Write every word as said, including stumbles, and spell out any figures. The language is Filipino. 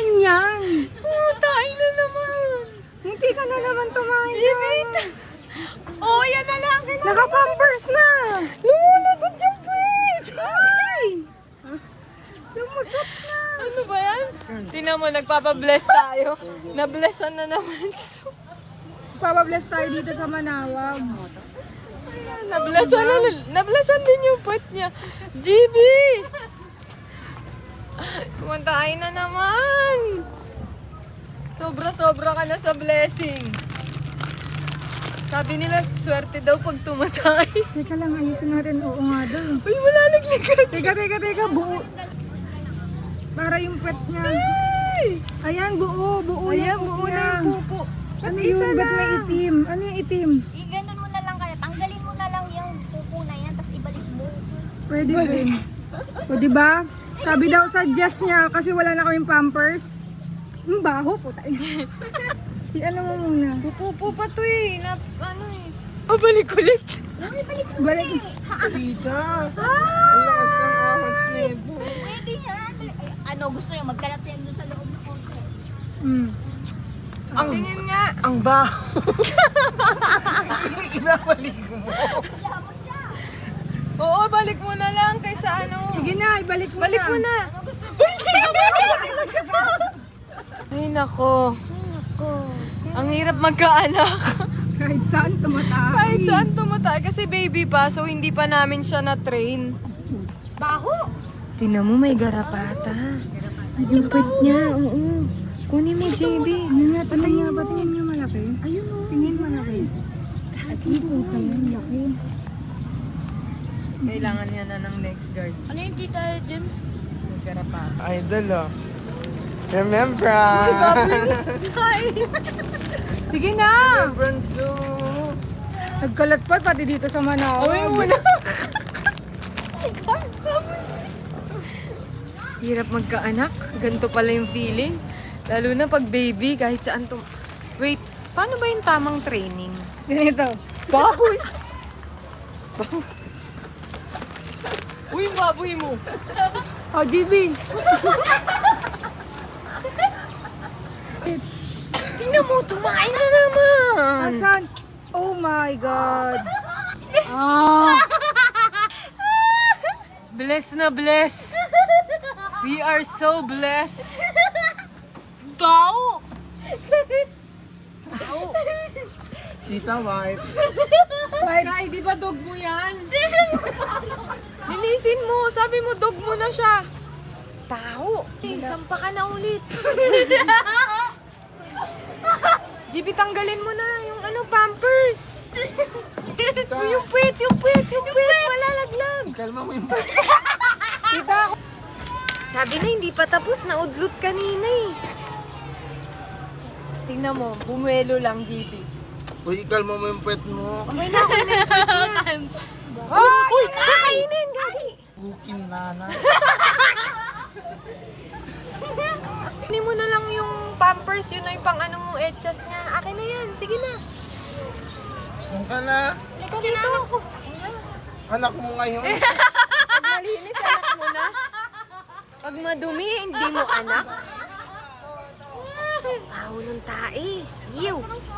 naman yan. Tayo na naman. Hindi ka na naman tumayo. Jimit! Oh, yan na lang. Naka-pampers na. Lumulusot yung puwit! Ay! Lumusot na. Ano ba yan? Tingnan mo, nagpapabless tayo. Na-blessan na naman. Papabless tayo dito sa Manawag. Ayan, na-blessan na. Na-blessan din yung puwit niya. G B! Kumantahin na naman. Sobra-sobra ka na sa blessing. Sabi nila, swerte daw pag tumatay. Teka lang, ayusin natin. Oo nga daw. Uy, malalaglag ka. Teka, teka, teka. Buo. Para yung pet niya. Ay! Ayan, buo. Buo Ayan, yung buo niya. na yung pupo. Ano At isa yung, ba't may lang. itim? Ano yung itim? I-ganon mo na lang kaya. Tanggalin mo na lang yung pupo na yan, tapos ibalik mo. Pwede din. O, di ba? Sabi daw sa Jess niya, kasi wala na kaming pampers. Ang baho po tayo. Si ano mo muna? Pupupo pa to eh. Na, ano eh. Oh, balik ulit. Balik. Tita! Ang lakas ng ahons nito. Pwede yan. Ay, ano, gusto nyo magkalat yan doon sa loob ng konti. Mm. Ang, Tingin nga. ang baho! Ibabalik mo. Oo, balik mo na lang kaysa ano. Sige na, ibalik mo Balik na. mo na. Ay, nako. Ang hirap magkaanak. Kahit saan tumatay. Kahit saan tumatay. Kasi baby pa, so hindi pa namin siya na-train. Baho! Tingnan mo, may garapata. Yung puwit niya, oo. Kunin mo, J B. Ano nga, patingin nga, patingin nga malaki. Ayun o. Tingin malaki. Ay, puta yan, laki. Kailangan niya na ng next guard. Ano yung tita, Jim? May garapata. Idol oh. Remember! Sige na! Remembrance to... Nagkalat pa pati dito sa Manawag. Away mo na. Hirap magkaanak. Ganito pala yung feeling. Lalo na pag baby, kahit saan tum... Wait, paano ba yung tamang training? Ganito. Baboy! Uy, yung baboy mo! O, G B. Tingnan mo, tumain na naman! Asan? Oh my God. Ah! Bless na bless! We are so blessed! Tao! Tita wipes. Kay, di ba dog mo yan? Linisin mo! Sabi mo, dog mo na siya! Tao! Sampa ka na ulit! G B, tanggalin mo na yung ano, pampers! Uy, yung puwit, yung puwit, yung puwit! Malalaglag! Kalma mo yung... Tita, Sabi na, hindi pa tapos. Naudlot kanina eh. Tingnan mo, bumuelo lang, G B. Uy, kalma mo yung pet mo. Okay na, okay na yung puwit niya. Ay! Uy, kakainin, gagi! Bukin nana. Kunin mo na lang yung pampers, yun na yung pang ano mong etchas niya. Akin na yan, sige na. Kung ka na, Halika dito. anak mo ngayon. Pag malinis, anak mo na. Pag madumi, hindi mo anak. Tao ng tae. Ew.